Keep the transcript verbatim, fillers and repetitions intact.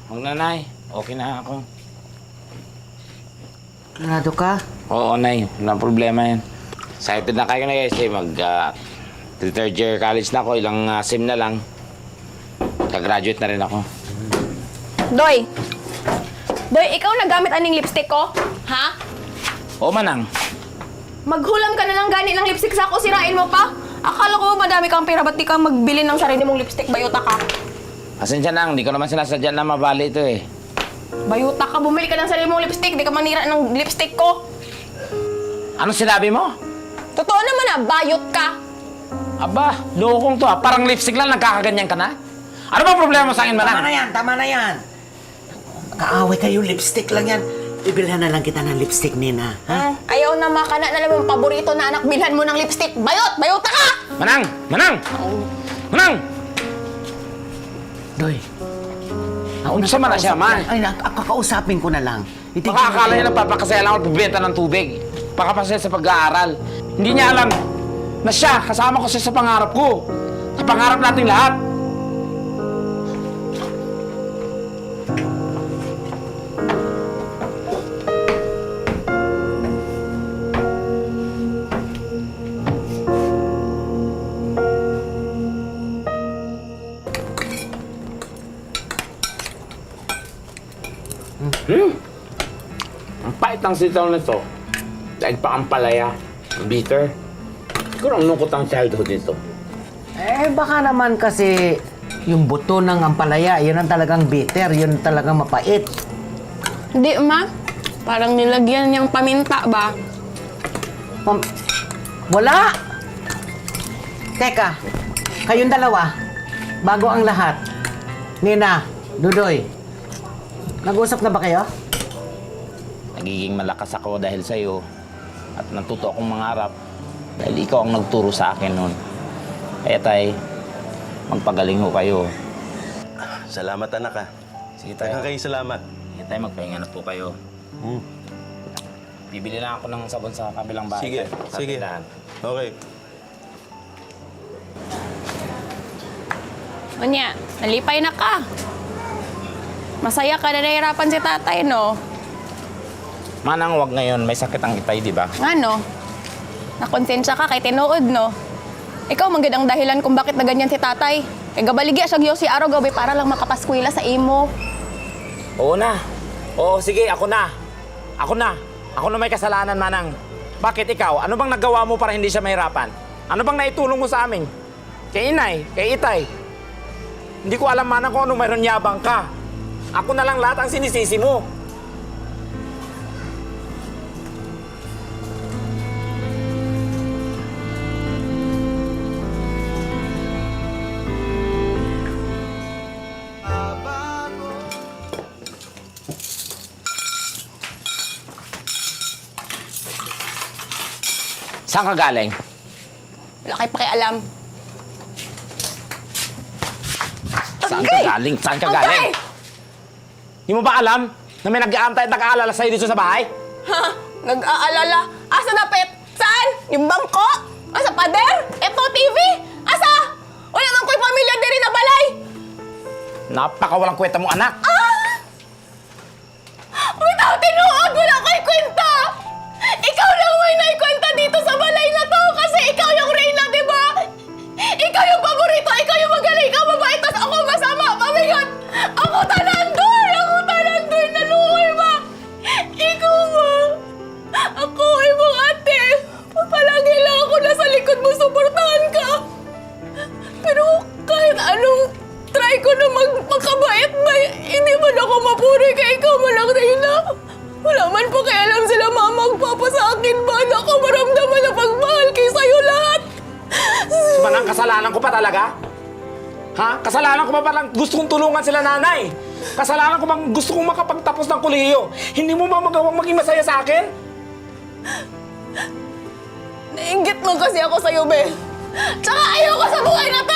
Huwag na, Nay. Okay na ako. Sigurado ka? Oo, Nay. Walang problema yan. Excited na kayo na kasi mag uh, third year college na ako. Ilang uh, sim na lang. Kagraduate na rin ako. Doy! Doy, ikaw nagamit aning lipstick ko? Ha? Oo, Manang. Maghulam ka na lang gani ng lipstick sa ako, sirain mo pa? Akala ko madami kang pera, ba't di ka magbili ng sarili mong lipstick? Bayuta ka. Pasensya na, hindi ko naman sinasadya na mabali ito eh. Bayuta ka, bumili ka ng sarili mong lipstick, di ka manira ng lipstick ko. Ano sinabi mo? Totoo naman ah, bayot ka. Aba, lokong to ah. Parang lipstick lang, nagkakaganyan ka na? Ano ba problema mo sa akin, Manang? Tama na yan, tama na yan. Kaaway kayo, lipstick lang yan. Ibilhan na lang kita ng lipstick, Nina. Ha? Hmm, ayaw na makana na naman paborito na anak, bilhan mo ng lipstick. Bayot! Bayota ka! Manang! Manang! Manang! Doy. Gusto mo na siya, man? Ay, nak- kakausapin ko na lang. Itigil Baka akala natin. niya nagpapakasaya lang ako at bibenta ng tubig. Pakapasaya sa pag-aaral. Hindi niya alam na siya, kasama ko siya sa pangarap ko. Sa pangarap nating lahat. Hmm. Ang pait ng sitaw nito. Dahil pa ang palaya. Ang bitter. Siguro ang lungkot ang childhood nito. Eh, baka naman kasi yung buto ng ampalaya, yun ang talagang bitter, yun talagang mapait. Hindi, ma. Parang nilagyan niyang paminta ba? Ma'am, wala! Teka, kayong dalawa, bago ang lahat. Nina, Dudoy, nag-usap na ba kayo? Nagiging malakas ako dahil sa'yo. At natuto akong mangarap. Dahil ikaw ang nagturo sa akin noon. Kaya tay, magpagaling ho kayo. Salamat, anak, ha. Sige tayo. Daghang kayo salamat. Sige tayo, magpahinga na po kayo. Hmm. Bibili na ako ng sabon sa kabilang bahay. Sige, Sa sige. tindahan. Okay. Unya, nalipay na ka. Masaya ka na nahihirapan si tatay, no? Manang, wag ngayon. May sakit ang itay, di ba? Nga, no? Nakonsensya ka kay tinuod, no? Ikaw, manggid ang dahilan kung bakit na ganyan si tatay. Kay gabaligya siya si araw gabi para lang makapaskwila sa imo. Oo na. Oo, sige, ako na. Ako na. Ako na may kasalanan, Manang. Bakit ikaw? Ano bang nagawa mo para hindi siya mahirapan? Ano bang naitulong mo sa amin? Kay inay, kay itay. Hindi ko alam, Manang, kung ano mayroon yabang ka. Ako na lang lahat ang sinisisi mo. Saan ka galing? Wala kayo pakialam. Saan ka Agay! galing? Saan ka Agay! galing? Hindi mo ba alam na may nag-aantay at nag-aalala sa'yo dito sa bahay? Ha? Nag-aalala? Asa na, Pet? Saan? Yung bangko? Asa, pader? Eto, T V? Asa? Wala man ko'y pamilya diri na balay! Napakawalang kwenta mo, anak. Ah! Without tinuod, wala ko'y kwenta! Ikaw lang may naikwenta dito sa balay na to kasi ikaw yung Reyna, di ba? Ikaw yung paborito, ikaw yung magaling, ikaw mabait, tas ako masama, pamigat! Ako talandoy! Ako talandoy! Naluoy ba? Ikaw ba? Ako, imong ate! Palagi lang ako nasa likod mo, suportahan ka! Pero kahit anong try ko na mag magkabait ba, hindi man ako mapuri kay ikaw man lang, Reyna. Wala man po kaya alam sila mama magpapa sa akin ba na ako maramdaman na pagmahal kay sa'yo lahat. Manang, kasalanan ko pa talaga? Ha? Kasalanan ko pa palang gusto kong tulungan sila nanay? Kasalanan ko bang gusto kong makapagtapos ng kolehiyo? Hindi mo ba magawang maging masaya sa akin? Nainggit mo kasi ako sa'yo, Be. Tsaka ayaw ko sa buhay na to!